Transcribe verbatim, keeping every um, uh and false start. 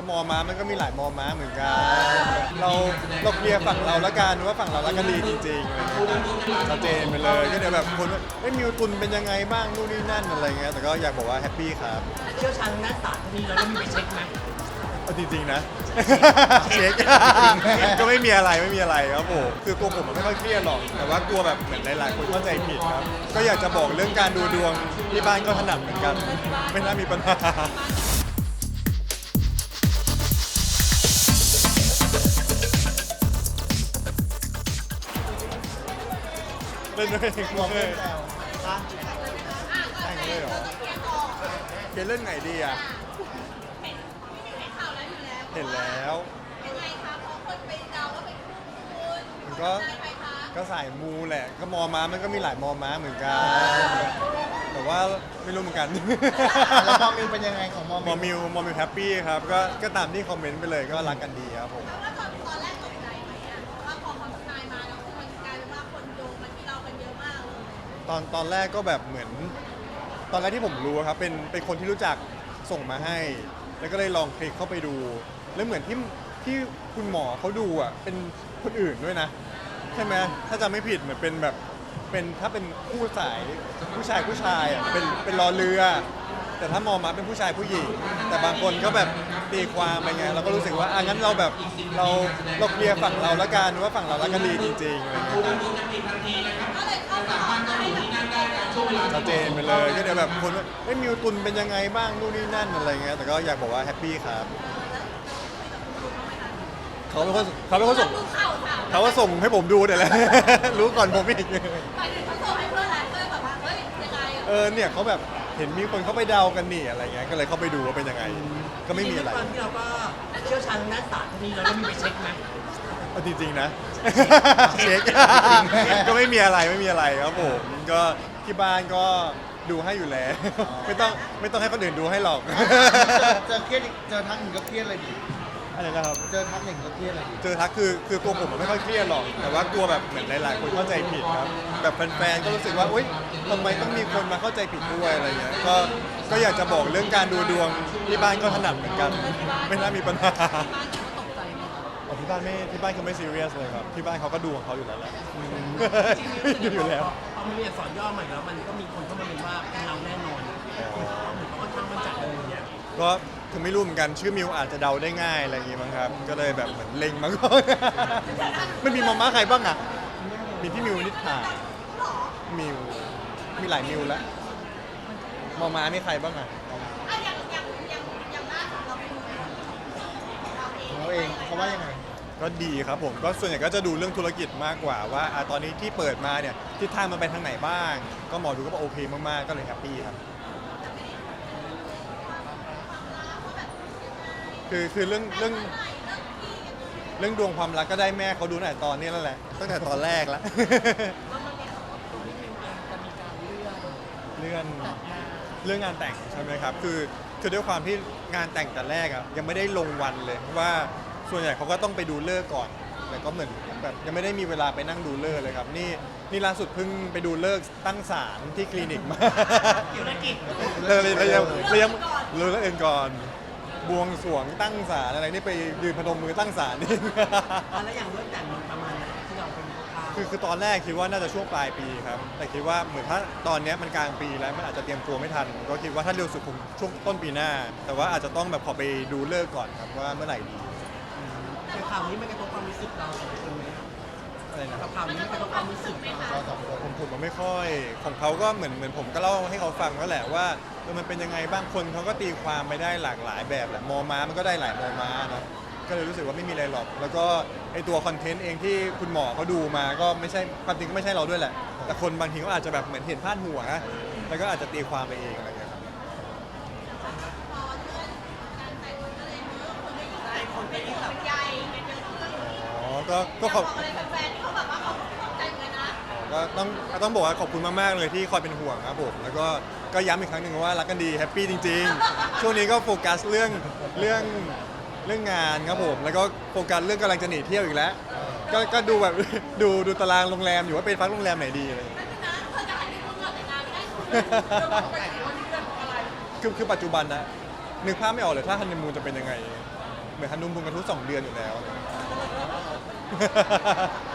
มอม้ามันก็มีหลายมอม้าเหมือนกันเราเราเคลียร์ฝั่งเราละกันว่าฝั่งเราละกันดีจริงๆอะไรเงี้ยชัดเจนไปเลยก็เดี๋ยวแบบคนว่าเอ้ยมิวตุนเป็นยังไงบ้างนู่นนี่นั่นอะไรเงี้ยแต่ก็อยากบอกว่าแฮปปี้ครับเชี่ยวชาญด้านศาสตร์พวกนี้เราได้มีไปเช็คไหมเอาจริงๆนะ เช็ค ก็ไม่มีอะไรไม่มีอะไรครับผมคือตัวผมมันไม่ค่อยเครียดหรอกแต่ว่ากลัวแบบเหมือนหลายๆคนเข้าใจผิดครับก็อยากจะบอกเรื่องการดูดวงที่บ้านก็ถนัดเหมือนกัน ไม่น่ามีปัญหาเล่นด้วยกลัวเลยแต่งเลยเหรอเกเล่นไหนดีอ่ะเห็นแล้วมันก็ก็สายมูแหละ ก็มอม้ามันก็มีหลายมอม้าเหมือนกัน แต่ว่าไม่รู้เหมือนกันแล้วมอมิวเป็นยังไงของมอมอมิวมิวมอมิวแฮปปี้ครับก็ก็ตามที่คอมเมนต์ไปเลยก็รักกันดีครับผมแล้วตอนตอนแรกตกใจไหมอ่ะว่าพอเขาทำนายมาแล้วคือมันกลายเป็นว่าคนโยงมาที่เรากันเยอะมากเลยตอนตอนแรกก็แบบเหมือน ตอนแรกที่ผมรู้ครับเป็นเป็นคนที่รู้จักส่งมาให้ แล้วก็เลยลองคลิกเข้าไปดู แล้วเหมือนที่ที่คุณหมอเขาดูอ่ะเป็นคนอื่นด้วยนะ ใช่ไหมถ้าจำไม่ผิดเหมือนเป็นแบบเป็นถ้าเป็นคู่สายผู้ชายผู้ชายอ่ะเป็นเป็นรอเรือ แต่ถ้ามองมาเป็นผู้ชายผู้หญิง แต่บางคนก็แบบตีความไปไงเราก็รู้สึกว่าอ่ะงั้นเราแบบเราเราเคลียร์ฝั่งเราละกันว่าฝั่งเราละกันดีจริงๆอะไรเงี้ยก็เลยเข้ามาให้แบบชัดเจนไปเลยก็เดี๋ยวแบบคนว่าเอ้ยมิวตุนเป็นยังไงบ้างนู่นนี่นั่นอะไรเงี้ยแต่ก็อยากบอกว่าแฮปปี้ครับเขาเป็นคนเขาเป็นคนส่งดูข่าวถามเขาก็ส่งให้ผมดูเนี่ยแหละ รู้ก่อนผมอีกหมายถึงเขาส่งให้เพื่อนแล้วเพื่อนแบบว่าเฮ้ยยังไงเออเนี่ยเขาแบบเห็นมีคนเขาไปเดากันนี่อะไรเงี้ยก็เลยเข้าไปดูว่าเป็นยังไง ก็ไม่มีอะไรด้วยความที่เราก็เชี่ยวชาญด้านศาสตร์พวกนี้เราได้มีไปเช็คไหมเอาจริงๆนะ เช็ค ก็ไม่มีอะไรไม่มีอะไรครับผมก็ที่บ้านก็ดูให้อยู่แล้ว ไม่ต้องไม่ต้องให้คนอื่นดูให้หรอกเจอเครียดอีกเจอทักหนึ่งก็เครียดเลยดิอะไรนะครับเจอทักหนึ่งก็เครียดเลยดิเจอทักคือคือตัวผมมันไม่ค่อยเครียดหรอก แต่ว่ากลัวแบบเหมือนหลายๆคนเข้าใจผิดครับแบบแฟนๆก็รู้สึกว่าอุ๊ยทำไมต้องมีคนมาเข้าใจผิดด้วยอะไรเงี้ยก็ก็อยากจะบอกเรื่องการดูดวงที่บ้านก็ถนัดเหมือนกัน ไม่น่ามีปัญหาอ๋อที่บ้านไม่ที่บ้านเขาไม่ซีเรียสเลยครับที่บ้านเขาก็ดูของเขาอยู่แล้วแหละ ดูอยู่แล้วพอมันมีอักษรย่อใหม่แล้วมันก็มีคนเข้ามาเรียนว่าเป็นเราแน่นอนเหมือนเขาค่อนข้างมั่นใจอะไรอย่างเงี้ยก็คือไม่รู้เหมือนกันชื่อมิวอาจจะเดาได้ง่ายอะไรอย่างงี้มั้งครับ ก็เลยแบบเหมือนเล็งมาก่อน มันมีมาม่าใครบ้างอ่ะ มีพี่มิวนิษฐามิว มีหลายมิวแล้วมาม่ามีใครบ้างอ่ะอ่ะอย่างอย่างอย่างอย่างล่าสุดเราไปดูเราเองเราเองเขาว่ายังไงก็ดีครับผม ก็ส่วนใหญ่ก็จะดูเรื่องธุรกิจมากกว่าว่าอ่ะตอนนี้ที่เปิดมาเนี่ยทิศทางมันไปทางไหนบ้าง ก็หมอดูก็บอกโอเคมากๆ ก็เลยแฮปปี้ครับ คือคือเรื่องเรื่องเรื่องดวงความรักก็ได้แม่เขาดูตั้งแต่ตอนนี้แล้วแหละตั้งแต่ตอนแรกแล้ว เรื่องเรื่องงานแต่งใช่ไหมครับคือคือด้วยความที่งานแต่งแต่แรกอะยังไม่ได้ลงวันเลยเพราะว่าส่วนใหญ่เขาก็ต้องไปดูเลิกษ์ก่อนแต่ก็เหมือนแบบยังไม่ได้มีเวลาไปนั่งดูเลิกษ์เลยครับนี่นี่ล่าสุดเพิ่งไปดูเลิกษ์ตั้งศาลที่คลินิกมาธุรกิจเลยเลยเลยยังเลยยังเลยแล้วเองก่อนบวงสรวงตั้งศาลอะไรนี่ไปยืนพนมมือตั้งศาลนี่อ่ะแล้วอย่างเรื่องแต่งมันประมาณไหนที่เราเป็นข่าวคือคือตอนแรกคิดว่าน่าจะช่วงปลายปีครับ แต่คิดว่าเหมือนถ้าตอนเนี้ยมันกลางปีแล้วมันอาจจะเตรียมตัวไม่ทัน ก็คิดว่าถ้าเร็วสุดคงช่วงต้นปีหน้า แต่ว่าอาจจะต้องแบบขอไปดูเลิกษ์ก่อนครับว่าเมื่อไหร่ดีแต่ข่าวนี้มันกระทบความรู้สึกเราสองคนไหมอะไรนะครับข่าวนี้มันกระทบความรู้สึกเราเราสองคนผมผมมันไม่ค่อยของเขาก็เหมือนเหมือนผมก็เล่าให้เขาฟังแล้วแหละว่าเออมันเป็นยังไงบ้างคนเขาก็ตีความไปได้หลากหลายแบบแหละมอม้ามันก็ได้หลายมอม้านะก็เลยรู้สึกว่าไม่มีอะไรหรอก แล้วก็ไอตัวคอนเทนต์เองที่คุณหมอเขาดูมาก็ไม่ใช่ความจริงก็ไม่ใช่เราด้วยแหละ แต่คนบางทีก็อาจจะแบบเหมือนเห็นพาดหัวนะแล้วก็อาจจะตีความไปเองอะไรอย่างเงี้ยครับพอเลื่อนการแต่งมันก็เลยเยอะคนไม่อยู่แล้วคนเป็นห่วงเป็นใยกันเยอะขึ้นอ๋อก็ก็อยากขบออบ กอะไรแฟนๆที่เขาแบบว่าเขาตกใจเหมือนกันนะก็ต้องต้องบอกว่าขอบคุณมากๆเลยที่คอยเป็นห่วงครับผมแล้วก็ก็ย้ำอีกครั้งหนึ่งว่ารักกันดีแฮปปี้จริงๆ ช่วงนี้ก็โฟกัสเรื่องเรื่องเรื่องงานครับผมแล้วก็โฟกัสเรื่องกำลังจะหนีเที่ยวอีกแล้ว ก็ก็ดูแบบ ดูดูตารางโรงแรมอยู่ว่าเป็นพักโรงแรมไหนดีอะไรอย่างเงี้ยนั่นนะเธอจะหันไปพูดก่อนแต่งงานไม่ได้เธอบอกแต่งงานนี่เรื่องของอะไรคือคือปัจจุบันนะนึกภาพไม่ออกเลยถ้าฮันนีมูนจะเป็นยังไงมือนฮันนูมูนกันทุกสองเดือนอยู่แล้ว